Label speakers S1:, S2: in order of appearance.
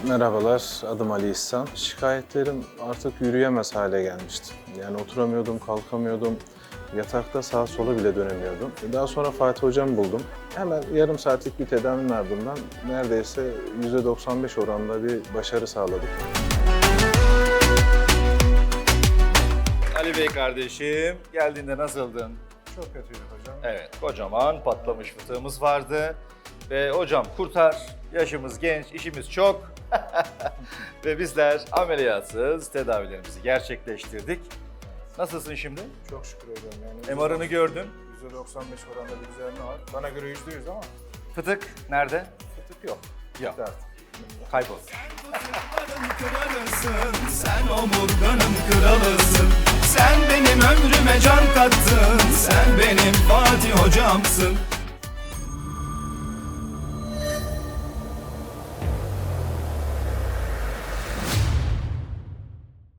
S1: Merhabalar, adım Ali İhsan. Şikayetlerim artık yürüyemez hale gelmişti. Yani oturamıyordum, kalkamıyordum. Yatakta sağa sola bile dönemiyordum. Daha sonra Fatih Hocam'ı buldum. Hemen yarım saatlik bir tedavinin ardından neredeyse %95 oranında bir başarı sağladık.
S2: Ali Bey kardeşim, geldiğinde nasıldın?
S3: Çok kötüydü hocam.
S2: Evet, kocaman patlamış fıtığımız vardı. Ve hocam kurtar, yaşımız genç, işimiz çok. Ve bizler ameliyatsız tedavilerimizi gerçekleştirdik. Nasılsın şimdi?
S3: Çok şükür hocam. Yani
S2: MR'ını gördün.
S3: %95 oranında bir düzelme var. Bana göre %100 ama
S2: Fıtık nerede?
S3: fıtık yok.
S2: Yok.
S3: Bitti artık.
S2: Kaybol.
S4: Kralısın, sen omurganın kralısın. Sen benim ömrüme can kattın, sen benim Fatih hocamsın.